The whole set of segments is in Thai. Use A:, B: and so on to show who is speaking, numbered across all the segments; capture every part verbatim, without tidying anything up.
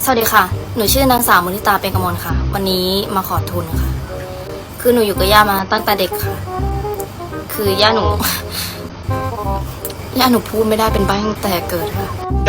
A: สวัสดีค่ะ หนูชื่อนางสาวมุทิตาเป็นกมลค่ะ วันนี้มาขอทุนค่ะ คือหนูอยู่กับย่ามาตั้งแต่เด็กค่ะ คือย่าหนู ย่าหนูพูดไม่ได้เป็นใบ้ตั้งแต่เกิดค่ะ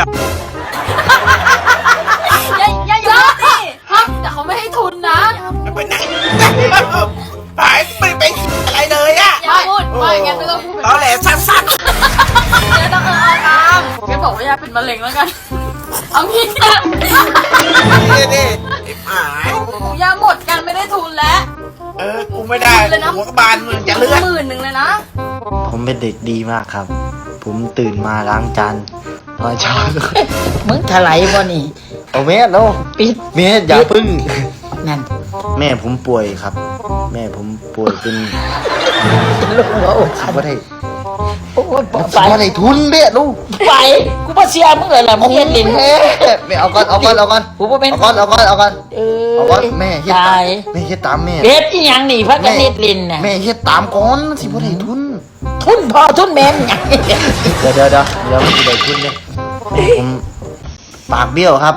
A: ย่าย่าอยู่นี่ฮะแต่เขาไม่ให้ทุนนะ
B: ไปไหนไปไม่ไปอะไรเลยอะ
A: อย่าพูดไม่งั้นไม่ต้องพูด
B: ตอแหลสั้น
A: ไม่ต้องเออเอาตามงั้นบอกว่าย่าเป็นมะเร็งแล้วกัน เอางี้นะ
B: ๆนี่นี่ไอ้หมาย
A: ย่าหมดกันไม่ได้ทุนแล้ว
B: เออกูไม่ได้หัวกระบาลมึงจะเลือด
A: หมื่นหนึ่งเลยนะ
C: ผมเป็นเด็กดีมากครับ ผมตื่นมาล้างจานตอนเช้า
D: มึงถลายบ่นี่
C: เอาแม่แล้ว
D: ปิด
C: แม่อย่าพึ่ง
D: นั่น
C: แม่ผมป่วยครับ แม่ผมป่วยเป็น
D: ลูกหัวอก
C: สิบ่ได้
D: โอ้ย
C: สิ
D: ไป
C: บ่ได้ทุนเด้ลูก
D: ไปกูบ่เสียมึงเลยล่ะมึงเฮ็ดลิ้น
C: แม่แม่เอาก่อนเอาก่อนเอาก่อน
D: กูบ่เป็น
C: เอาก่อนเอาก่อนเอาก่อน
D: เออ
C: เอาก่อนแม่เฮ็ด
D: ตา
C: ตาม
D: ย
C: แม่เฮ็ดตามแม่
D: เฮ็ดอีหยังนี่พักกันเฮ็ดลิ้นน่ะ
C: แม่เฮ็ดตามก่อนสิบ่ได้ทุน
D: ทุนพ่อทุนแม่มหยัง
C: เดี๋ยวเดี๋ยวเดี๋ยวเดี๋ยวมันสิได้ทุนเนี่ยผมปากเบี้ยวครับ